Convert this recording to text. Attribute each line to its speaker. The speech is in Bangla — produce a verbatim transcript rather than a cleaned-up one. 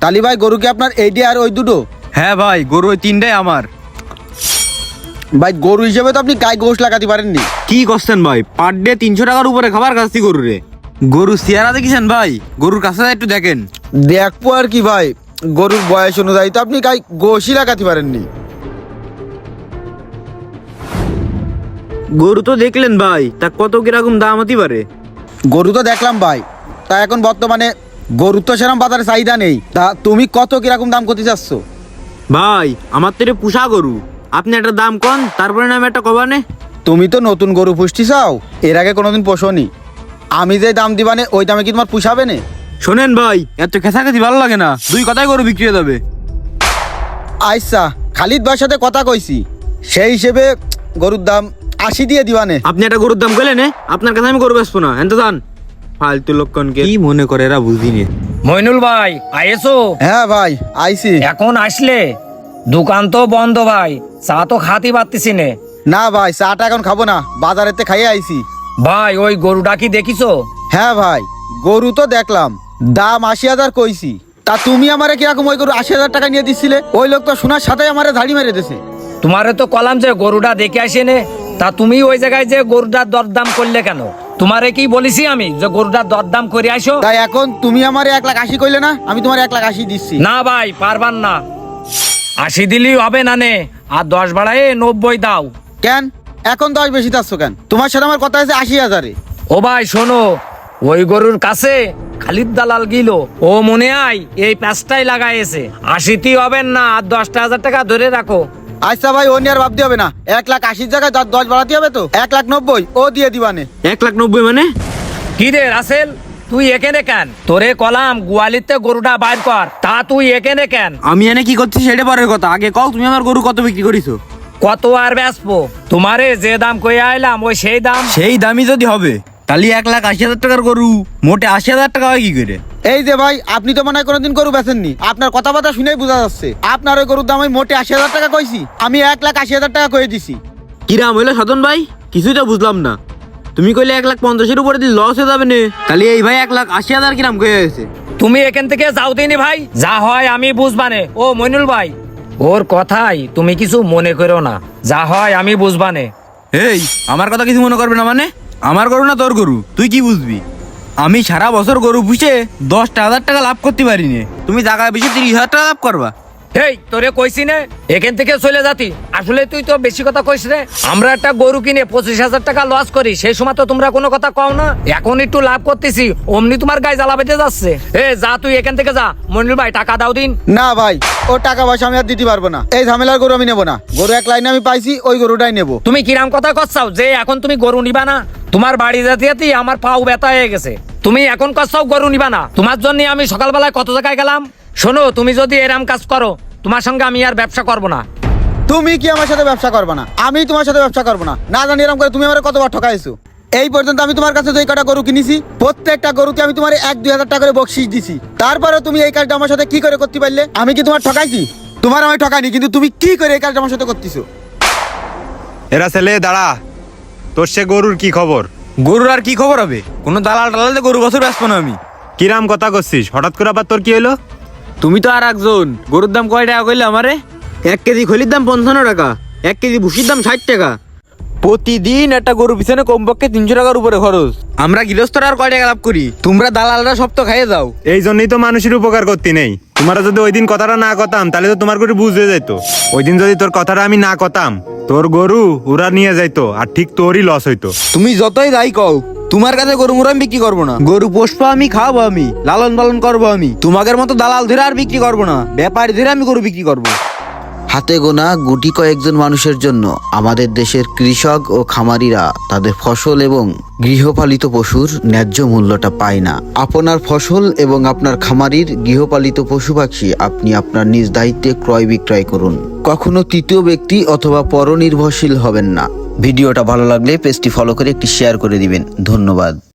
Speaker 1: তালি ভাই গরু কি আপনার এইটি আর ওই দুটো?
Speaker 2: হ্যাঁ ভাই, গরু ওই তিনটাই আমার।
Speaker 1: ভাই গরু হিসেবে তো আপনি গায়ে গোশ লাগাতে পারেননি।
Speaker 2: কি করছেন ভাই? পার ডে তিনশো টাকার উপরে খাবার খাচ্ছি গরু রে। গরু চেহারা দেখেছেন ভাই? গরুর কাছে একটু দেখেন।
Speaker 1: দেখবো আর কি ভাই, গরুর বয়স অনুযায়ী তো আপনি গায়ে গোশই লাগাতে পারেননি।
Speaker 2: গরু তো দেখলেন ভাই, তা কত কিরকম দাম হতে পারে?
Speaker 1: গরু তো দেখলাম ভাই, তা এখন বর্তমানে গরুর তো সেরকম বাজারে চাহিদা নেই। তা তুমি কত কিরকম দাম করতে চাচ্ছ?
Speaker 2: ভাই আমার তো এটা পুষা গরু, আপনি একটা দাম কন, তারপরে নাম একটা কবানে।
Speaker 1: তুমি তো নতুন গরু পুষতে চাও, এর আগে কোনোদিন পোষনি। আমি যে দাম দিবানে ওই দামে কি তোমার পুষাবে না?
Speaker 2: শোনেন ভাই, এত খেসাখেসি ভালো লাগে না, দুই কথাই গরু বিক্রি হয়ে যাবে।
Speaker 1: আচ্ছা, খালিদ ভাইয়ের সাথে কথা কইছি, সেই হিসেবে গরুর দাম আশি দিয়ে দিবানে।
Speaker 2: আপনি একটা গরুর দাম কইলেন, আপনার কাছে আমি গরু বেচবো না, এত দান। ফালতু লোককে কি মনে করে এরা বুঝিনি।
Speaker 3: মইনুল ভাই আইসো?
Speaker 1: হ্যাঁ ভাই আইছি।
Speaker 3: এখন আসলে? দোকান তো বন্ধ ভাই, চা তো খাতি পারতেছি নে।
Speaker 1: না ভাই, চাটা এখন খাবো না, বাজারেতে খাইয়ে আইছি।
Speaker 3: ভাই ওই গরুটা কি দেখিছো?
Speaker 1: হ্যাঁ ভাই, গরু তো দেখলাম, দাম আশি হাজার কইছি। তা তুমি আমারে কিরকম ওই গরু আশি হাজার টাকা নিয়ে দিছিলে? ওই লোক তো শোনার সাথে আমারে ধাড়ি মেরে দিছে।
Speaker 3: তোমারে তো কলাম যে গরুটা দেখে আসে নে, তা তুমি ওই জায়গায় যে গরুটার দরদাম করলে কেন? তোমারে কি বলিছি আমি যে গরুটার দরদাম করে আসো?
Speaker 1: তাই এখন তুমি আমারে এক লাখ আশি কইলে না, আমি তোমার এক লাখ আশি দিচ্ছি।
Speaker 3: না ভাই পারবান না, আশি দিলেই হবে না নে, আর দশ বাড়ায় নব্বই দাও।
Speaker 1: কেন এখন দশ বেশি চাচ্ছ কেন? তোমার সাথে আমার কথা আছে আশি হাজারে।
Speaker 3: ও ভাই শোনো, ওই গরুর কাছে খালিদ দালাল গিল, ও মনে হয় এই প্যাঁচটাই লাগাইছে। আশিটি হবেন না, আর দশটা হাজার টাকা ধরে রাখো।
Speaker 1: আচ্ছা ভাই, ও নিয়ে আর ভাবতে হবে না, এক লাখ আশির জায়গায় দশ দশ বাড়াতে হবে তো, এক লাখ নব্বই ও দিয়ে দিবানে।
Speaker 2: এক লাখ নব্বই মানে?
Speaker 3: কি রে রাসেল, তুই এখানে কেন? তোরে কলাম গোয়ালিতে গরুটা বাইর কর, তা তুই এখানে কেন?
Speaker 2: আমি এনে কি করছি সেটা পরের কথা, আগে কও তুমি আমার গরু কত বিক্রি করিছো?
Speaker 3: কত আর বেচবো? তোমারে যে দাম কই আইলাম ওই সেই দাম।
Speaker 2: সেই দামই যদি হবে, তাহলে এক লাখ আশি হাজার টাকার গরু মোটে আশি হাজার টাকা হয় কি করে?
Speaker 1: এই যে ভাই, আপনি তো মনে হয় কোনোদিন গরু বেচেননি, আপনার কথাবার্তা শুনেই বোঝা যাচ্ছে। আপনার ওই গরুর দাম আমি মোটে আশি হাজার টাকা কইছি, আমি এক লাখ আশি হাজার টাকা কয়ে দিছি।
Speaker 2: কিরাম হইলো সাধন ভাই? কিছুই তো বুঝলাম না। তুমি কইলে এক লাখ পঞ্চাশের উপরে দিলে লস হয়ে যাবে না, তাহলে এই ভাই এক লাখ আশি হাজার কিরাম কয়ে গেছে।
Speaker 3: তুমি এখান থেকে যাও দিনি ভাই, যা হয় আমি বুঝবানে। ও মইনুল ভাই, ওর কথাই তুমি কিছু মনে করো না, যা হয় আমি বুঝবানে।
Speaker 2: এই আমার কথা কিছু মনে করবে না মানে? আমার গরু না তোর গরু, তুই কি বুঝবি? আমি সারা বছর গরু পুষে দশটা হাজার টাকা লাভ করতে পারিনি, তুমি জায়গায় বেশি তিরিশ হাজার টাকা লাভ করবা।
Speaker 3: এই তোরে কইছি না এখান থেকে চলে যাতি, আসলে তুই তো বেশি কথা কইস রে। আমরা একটা গরু কিনে পঁচিশ হাজার টাকা লস করি, সেই সময় তো তোমরা কোনো কথা কও না। এখন একটু লাভ করতেছি, অমনি তোমার গায়ে জ্বালা বেঁধে যাচ্ছে। এ যা তুই এখান থেকে যা। মনির ভাই টাকা দাও দিন।
Speaker 1: না ভাই, ও টাকা পয়সা আমি আর দিতে পারবো না, এই ঝামেলার গরু আমি নেবো না। গরু এক লাইনে আমি পাইছি, ওই গরুটাই নেবো।
Speaker 3: তুমি কিরাম কথা করছাও যে এখন তুমি গরু নিবা না? তোমার বাড়ি যেতে যেতে আমার পাও ব্যথা হয়ে গেছে, তুমি এখন করছাও গরু নিবা না? তোমার জন্য আমি সকালবেলায় কত জায়গায় গেলাম। শোনো, তুমি যদি এরম কাজ করো, তোমার সঙ্গে আমি আর ব্যবসা করবো না।
Speaker 1: তুমি কি আমার সাথে ব্যবসা করবে না? আমি তোমার সাথে ব্যবসা করবো না। না জানি এরকম করে তুমি আমার কতবার ঠকাইছো। এই পর্যন্ত আমি তোমার কাছে যে কটা গরু কিনেছি, প্রত্যেকটা গরুতে আমি তোমার এক দুই হাজার টাকা করে বকশিস দিছি। তারপরে তুমি এই কাজটা আমার সাথে কি করে করতে পারলে? আমি কি তোমার ঠকাইছি? তোমার আমি ঠকাইনি, কিন্তু তুমি কি করে এই কাজটা আমার সাথে করতেছো?
Speaker 4: এরা ছেলে দাঁড়া, তোর সে গরুর কি খবর?
Speaker 2: গরুর আর কি খবর হবে? কোনো দালাল টালালে গরু বছর ব্যস্ত না আমি।
Speaker 4: কিরাম কথা করছিস হঠাৎ করে, আবার তোর কি হলো?
Speaker 2: তুমি তো আর একজন। গরুর দাম কয় টাকা কইলে আমারে? এক কেজি খলির দাম পঞ্চান্ন টাকা, এক কেজি ভুসির দাম ষাট টাকা। প্রতিদিন একটা গরু পিছনে কমপক্ষে তিনশো টাকার উপরে খরচ। আমরা গৃহস্থরা আর কয় টাকা লাভ করি? তোমরা দালালরা সব তো খাইয়ে যাও।
Speaker 4: এই জন্যই তো মানুষের উপকার করতে নেই। তোমরা যদি ওই দিন কথাটা না কথাম, তাহলে তো তোমার গরু বুঝে যেত। ওই দিন যদি তোর কথাটা আমি না কথাম, তোর গরু ওরা নিয়ে যাইতো, আর ঠিক তোরই লস হইতো।
Speaker 2: তুমি যতই যাই কও, তোমার কাছে গরু মুরা আমি বিক্রি করবো না। গরু পোষবো আমি, খাওয়াবো আমি, লালন পালন করবো আমি। তোমাদের মতো দালাল ধরে আর বিক্রি করবো না, ব্যাপারী ধরে আমি গরু বিক্রি করবো।
Speaker 5: হাতে গোনা গুটি কয়েকজন মানুষের জন্য আমাদের দেশের কৃষক ও খামারিরা তাদের ফসল এবং গৃহপালিত পশুর ন্যায্য মূল্যটা পায় না। আপনার ফসল এবং আপনার খামারির গৃহপালিত পশু পাখি আপনি আপনার নিজ দায়িত্বে ক্রয় বিক্রয় করুন। কখনো তৃতীয় ব্যক্তি অথবা পরনির্ভরশীল হবেন না। ভিডিওটা ভালো লাগলে পেজটি ফলো করে একটি শেয়ার করে দিবেন। ধন্যবাদ।